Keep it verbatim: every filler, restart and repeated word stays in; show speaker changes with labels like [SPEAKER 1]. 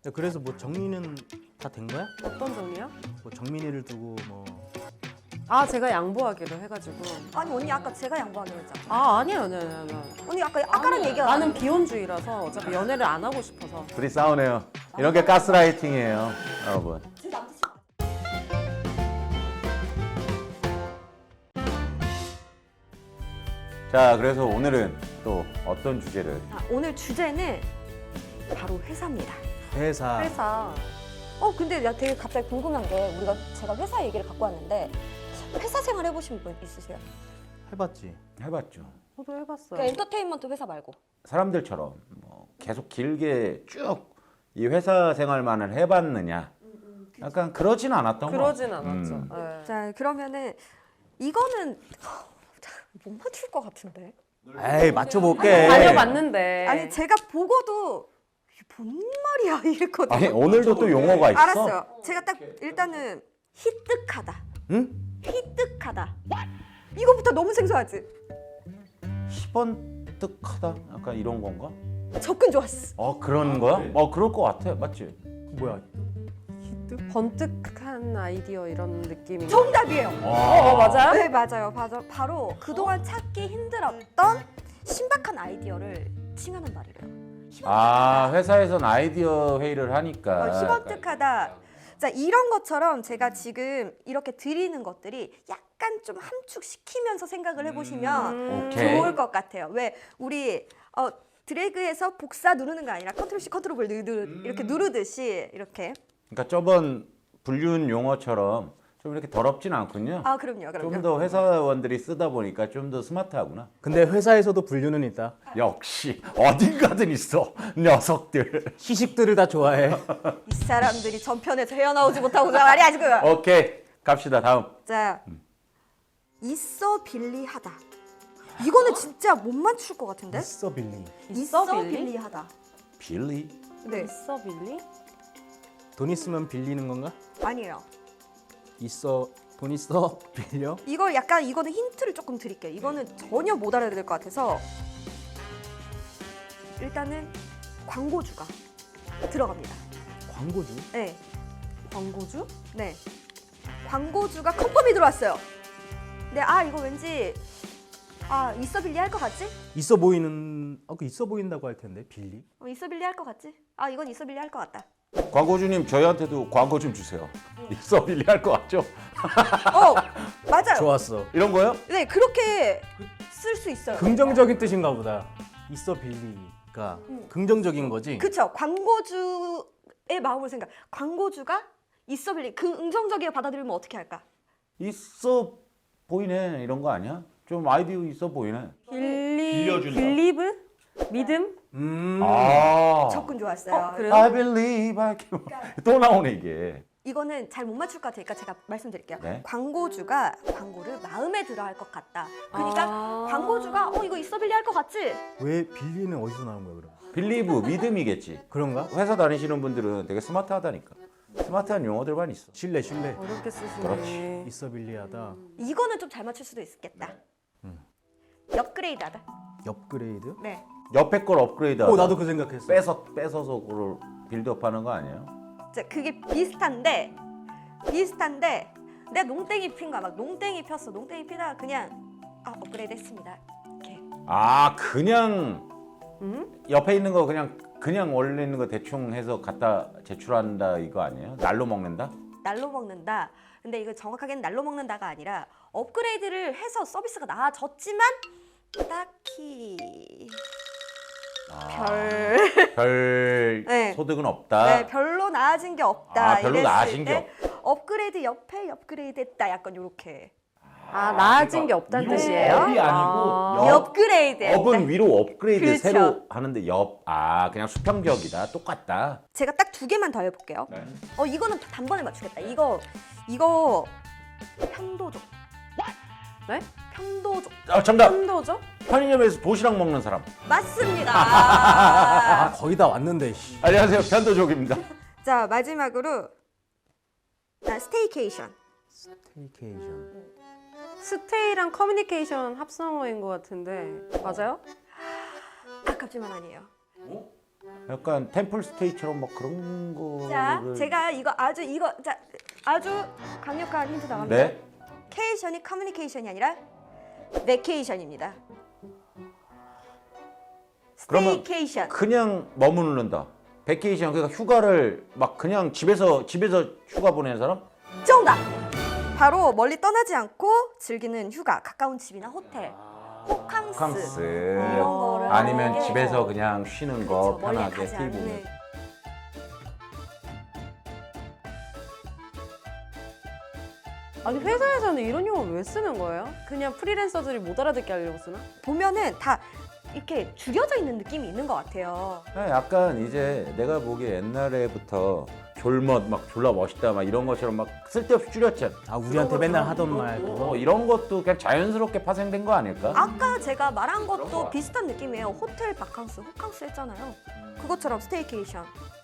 [SPEAKER 1] 그래서 뭐 정리는 다 된 거야?
[SPEAKER 2] 어떤 종이요?
[SPEAKER 1] 뭐 정민이를 두고 뭐
[SPEAKER 2] 아 제가 양보하기로 해가지고.
[SPEAKER 3] 아니 언니 아까 제가 양보하기로 했잖아.
[SPEAKER 2] 아 아니에요, 아니에요, 아니에요.
[SPEAKER 3] 언니 아까 아까랑 얘기가
[SPEAKER 2] 나는 비혼주의라서 어차피 연애를 안 하고 싶어서.
[SPEAKER 4] 둘이 싸우네요. 이런 게 가스라이팅이에요, 여러분.
[SPEAKER 3] 제 남자친구.
[SPEAKER 4] 자, 그래서 오늘은 또 어떤 주제를?
[SPEAKER 3] 아, 오늘 주제는 바로 회사입니다.
[SPEAKER 1] 회사.
[SPEAKER 3] 회사. 어 근데 나 되게 갑자기 궁금한 게 우리가 제가 회사 얘기를 갖고 왔는데 회사 생활 해보신 분 있으세요?
[SPEAKER 1] 해봤지.
[SPEAKER 4] 해봤죠.
[SPEAKER 2] 저도 해봤어요.
[SPEAKER 3] 그러니까 엔터테인먼트 회사 말고.
[SPEAKER 4] 사람들처럼 뭐 계속 길게 쭉 이 회사 생활만을 해봤느냐? 약간 그러진 않았던 거.
[SPEAKER 2] 그러진 않았죠.
[SPEAKER 4] 음.
[SPEAKER 2] 네.
[SPEAKER 3] 자 그러면은 이거는 못 맞출 것 같은데.
[SPEAKER 1] 에이 맞춰볼게.
[SPEAKER 2] 다녀봤는데.
[SPEAKER 3] 아니 제가 보고도 이게 뭔 말이야 이랬거든요.
[SPEAKER 4] 아니 오늘도 또 용어가 있어.
[SPEAKER 3] 알았어요. 제가 딱 일단은 희뜩하다.
[SPEAKER 1] 응?
[SPEAKER 3] 희뜩하다. 이거부터 너무 생소하지?
[SPEAKER 4] 희번뜩하다? 약간 이런 건가?
[SPEAKER 3] 접근 좋았어.
[SPEAKER 4] 어 그런 거야? 어 그럴 것 같아, 맞지?
[SPEAKER 1] 뭐야? 히트?
[SPEAKER 2] 번뜩한 아이디어 이런 느낌인 거.
[SPEAKER 3] 정답이에요.
[SPEAKER 2] 어, 어 맞아요?
[SPEAKER 3] 네 맞아요. 바로, 바로 그동안 찾기 힘들었던 신박한 아이디어를 칭하는 말이래요.
[SPEAKER 4] 아 회사에선 아이디어 회의를 하니까.
[SPEAKER 3] 어, 희번뜩하다. 자 이런 것처럼 제가 지금 이렇게 드리는 것들이 약간 좀 함축시키면서 생각을 해보시면
[SPEAKER 2] 음.
[SPEAKER 4] 오케이.
[SPEAKER 3] 좋을 것 같아요. 왜 우리 어, 드래그에서 복사 누르는 거 아니라 컨트롤 C 컨트롤 V 누르,
[SPEAKER 4] 음.
[SPEAKER 3] 이렇게 누르듯이 이렇게.
[SPEAKER 4] 그러니까 저번 불륜 용어처럼 좀 이렇게 더럽진 않군요.
[SPEAKER 3] 아 그럼요, 그럼요.
[SPEAKER 4] 좀 더 회사원들이 쓰다 보니까 좀 더 스마트하구나.
[SPEAKER 1] 근데 회사에서도 분류는 있다.
[SPEAKER 4] 역시 어딘가든 있어 녀석들.
[SPEAKER 1] 희식들을 다 좋아해.
[SPEAKER 3] 이 사람들이 전편에서 헤어나오지 못하고 말이야 지금.
[SPEAKER 4] 오케이 갑시다 다음.
[SPEAKER 3] 자, 있어 빌리하다. 이거는 진짜 못 맞출 것 같은데?
[SPEAKER 1] 있어 빌리.
[SPEAKER 2] 있어,
[SPEAKER 3] 있어
[SPEAKER 2] 빌리?
[SPEAKER 3] 빌리하다.
[SPEAKER 4] 빌리?
[SPEAKER 3] 네,
[SPEAKER 2] 있어 빌리?
[SPEAKER 1] 돈 있으면 빌리는 건가?
[SPEAKER 3] 아니에요.
[SPEAKER 1] 있어 돈 있어 빌려?
[SPEAKER 3] 이걸 약간 이거는 힌트를 조금 드릴게요. 이거는 전혀 못 알아들을 것 같아서 일단은 광고주가 들어갑니다.
[SPEAKER 1] 광고주?
[SPEAKER 3] 네,
[SPEAKER 2] 광고주?
[SPEAKER 3] 네. 광고주가 컨펌이 들어왔어요. 근데 아 이거 왠지 아 있어 빌리 할 것 같지?
[SPEAKER 1] 있어 보이는 아그 있어 보인다고 할 텐데 빌리?
[SPEAKER 3] 어, 있어 빌리 할 것 같지? 아 이건 있어 빌리 할 것 같다.
[SPEAKER 4] 광고주님 저희한테도 광고 좀 주세요. 있어 빌리 할 것 같죠?
[SPEAKER 3] 어 맞아요.
[SPEAKER 1] 좋았어.
[SPEAKER 4] 이런 거요?
[SPEAKER 3] 네 그렇게 쓸 수 있어요.
[SPEAKER 1] 긍정적인 뜻인가 보다. 있어 빌리가 긍정적인 거지.
[SPEAKER 3] 그쵸. 광고주의 마음을 생각. 광고주가 있어 빌리 긍정적이게 받아들이면 어떻게 할까?
[SPEAKER 4] 있어 보이네 이런 거 아니야? 좀 아이디어 있어 보이네.
[SPEAKER 2] 빌리
[SPEAKER 4] 빌려준다.
[SPEAKER 2] 빌리브? 믿음?
[SPEAKER 1] 음.
[SPEAKER 4] 아.
[SPEAKER 3] 접근 좋았어요.
[SPEAKER 2] 어, 그래요?
[SPEAKER 4] I believe I can. 또 나오네 이게.
[SPEAKER 3] 이거는 잘 못 맞출 것 같으니까 제가 말씀드릴게요.
[SPEAKER 4] 네.
[SPEAKER 3] 광고주가 광고를 마음에 들어 할 것 같다. 그러니까
[SPEAKER 2] 아.
[SPEAKER 3] 광고주가 어 이거 있어 빌리 할 것 같지?
[SPEAKER 1] 왜 빌리는 어디서 나온 거야 그럼?
[SPEAKER 4] Believe 믿음이겠지.
[SPEAKER 1] 그런가?
[SPEAKER 4] 회사 다니시는 분들은 되게 스마트하다니까. 스마트한 용어들만 있어.
[SPEAKER 1] 신뢰 신뢰.
[SPEAKER 2] 어렵게 쓰시네.
[SPEAKER 4] 그렇지.
[SPEAKER 1] 있어 빌리하다.
[SPEAKER 3] 이거는 좀 잘 맞출 수도 있겠다. 업그레이드하다.
[SPEAKER 1] 업그레이드?
[SPEAKER 3] 네.
[SPEAKER 4] 옆에 걸 업그레이드.
[SPEAKER 1] 어 나도 그 생각했어.
[SPEAKER 4] 뺏어 뺏어서 그걸 빌드업하는 거 아니에요?
[SPEAKER 3] 자, 그게 비슷한데 비슷한데 내가 농땡이 핀 거야. 막 농땡이 폈어. 농땡이 피다가 그냥 아 업그레이드 했습니다. 이렇게.
[SPEAKER 4] 아 그냥
[SPEAKER 2] 음?
[SPEAKER 4] 옆에 있는 거 그냥 그냥 원래 있는 거 대충 해서 갖다 제출한다 이거 아니에요? 날로 먹는다?
[SPEAKER 3] 날로 먹는다. 근데 이거 정확하게는 날로 먹는다가 아니라 업그레이드를 해서 서비스가 나아졌지만 딱히
[SPEAKER 4] 아,
[SPEAKER 3] 별,
[SPEAKER 4] 별
[SPEAKER 3] 네.
[SPEAKER 4] 소득은 없다.
[SPEAKER 3] 네, 별로 나아진 게 없다.
[SPEAKER 4] 아, 별로
[SPEAKER 3] 이랬을
[SPEAKER 4] 나아진
[SPEAKER 3] 때
[SPEAKER 4] 게
[SPEAKER 3] 업그레이드 옆에 업그레이드 했다. 약간 요렇게.
[SPEAKER 2] 아 나아진 게 없다는
[SPEAKER 4] 위로
[SPEAKER 2] 뜻이에요?
[SPEAKER 4] 업이 아니고
[SPEAKER 2] 아.
[SPEAKER 4] 옆.
[SPEAKER 3] 업그레이드 했다.
[SPEAKER 4] 업은 위로 업그레이드
[SPEAKER 3] 그렇죠.
[SPEAKER 4] 새로 하는데 옆. 아 그냥 수평적이다. 똑같다.
[SPEAKER 3] 제가 딱 두 개만 더 해볼게요.
[SPEAKER 4] 네.
[SPEAKER 3] 어 이거는 단번에 맞추겠다. 이거 이거 편도족.
[SPEAKER 2] 네?
[SPEAKER 3] 편도족.
[SPEAKER 4] 아 정답.
[SPEAKER 2] 편도죠?
[SPEAKER 4] 편의점에서 도시락 먹는 사람.
[SPEAKER 3] 맞습니다.
[SPEAKER 1] 아 거의 다 왔는데. 씨.
[SPEAKER 4] 안녕하세요. 편도족입니다.
[SPEAKER 3] 자 마지막으로 나 스테이케이션.
[SPEAKER 1] 스테이케이션.
[SPEAKER 2] 스테이랑 커뮤니케이션 합성어인 것 같은데 맞아요?
[SPEAKER 3] 아깝지만 아니에요.
[SPEAKER 4] 약간 템플 스테이처럼 막 그런 거를
[SPEAKER 3] 자, 제가 이거 아주 이거 자 아주 강력한 힌트 나갑니다.
[SPEAKER 4] 네?
[SPEAKER 3] 케이션이 커뮤니케이션이 아니라 베케이션입니다.
[SPEAKER 4] 그러면
[SPEAKER 3] 스테이케이션.
[SPEAKER 4] 그냥 머무른다. 베케이션 그러니까 휴가를 막 그냥 집에서 집에서 휴가 보내는 사람?
[SPEAKER 3] 정답. 바로 멀리 떠나지 않고 즐기는 휴가, 가까운 집이나 호텔, 호캉스,
[SPEAKER 4] 호캉스.
[SPEAKER 3] 이런 거를
[SPEAKER 4] 아니면
[SPEAKER 3] 하는 게
[SPEAKER 4] 집에서 그냥 쉬는 거
[SPEAKER 3] 그렇죠, 멀리
[SPEAKER 4] 편하게
[SPEAKER 3] 가지
[SPEAKER 4] 티 보면.
[SPEAKER 3] 않는.
[SPEAKER 2] 아니 회사에서는 이런 용어 왜 쓰는 거예요? 그냥 프리랜서들이 못 알아듣게 하려고 쓰나?
[SPEAKER 3] 보면은 다 이렇게 줄여져 있는 느낌이 있는 것 같아요.
[SPEAKER 4] 네, 약간 이제 내가 보기에 옛날에부터 졸멋 막 졸라 멋있다 막 이런 것처럼 막 쓸데없이 줄였잖아.
[SPEAKER 1] 아 우리한테 맨날 하던 말
[SPEAKER 4] 뭐
[SPEAKER 1] 그거.
[SPEAKER 4] 이런 것도 그냥 자연스럽게 파생된 거 아닐까?
[SPEAKER 3] 아까 제가 말한
[SPEAKER 4] 그런 거
[SPEAKER 3] 것도
[SPEAKER 4] 같아.
[SPEAKER 3] 비슷한 느낌이에요. 호텔 바캉스, 호캉스 했잖아요. 그것처럼 스테이케이션.